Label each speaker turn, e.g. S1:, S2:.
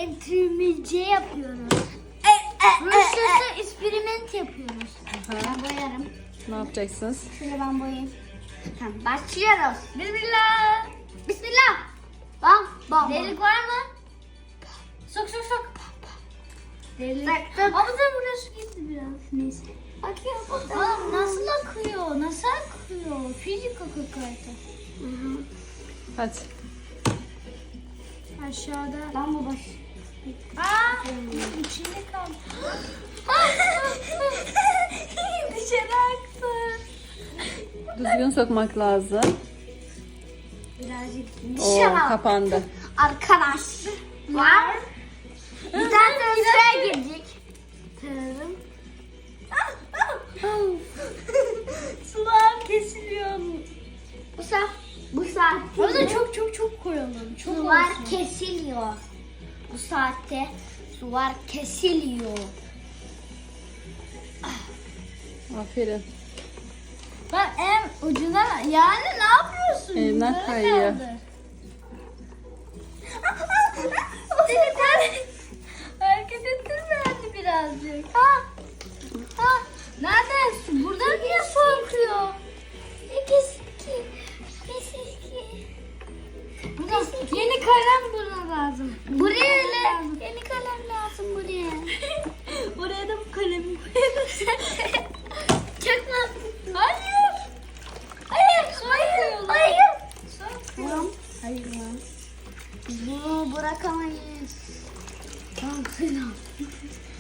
S1: eksperimentimizi yapıyoruz. Rusya'da eksperiment yapıyoruz. Ben boyarım.
S2: Ne yapacaksınız?
S1: Şöyle ben boyayayım. Tamam, başlıyoruz. Bismillah. Bismillah. Bam. Delik var mı? Sok. Delik. Ama da burası gitti biraz. Neyse. Akıyor. Nasıl akıyor? Nasıl akıyor? Fizik akıyor kayıta.
S2: Hadi.
S1: Aşağıda. Ben bu baş. İçinde kaldı. Dışarı aktı.
S2: Düzgün sokmak lazım.
S1: Birazcık
S2: Oo,
S1: dışarı
S2: kapandı.
S1: Arkadaşlar. Bir tane sıraya girecek. Tırırım. Sular kesiliyor. Bu saatte. Orada çok koyalım. Sular kesiliyor. Bu saatte sular kesiliyor.
S2: Aferin.
S1: Ben en ucuna yani ne yapıyorsun?
S2: Elimden
S1: Yukarı
S2: kayıyor.
S1: kaldır. Hareket ettirme birazcık. Nerede su? Burada niye su akıyor? Keski. Burada yeni kalem buna lazım. Buraya yeni kalem lazım buraya. Oraya da bu kalemi koyalım. Çakma. Hayır. Hayır lan. Bunu bırakamayız. Tamam.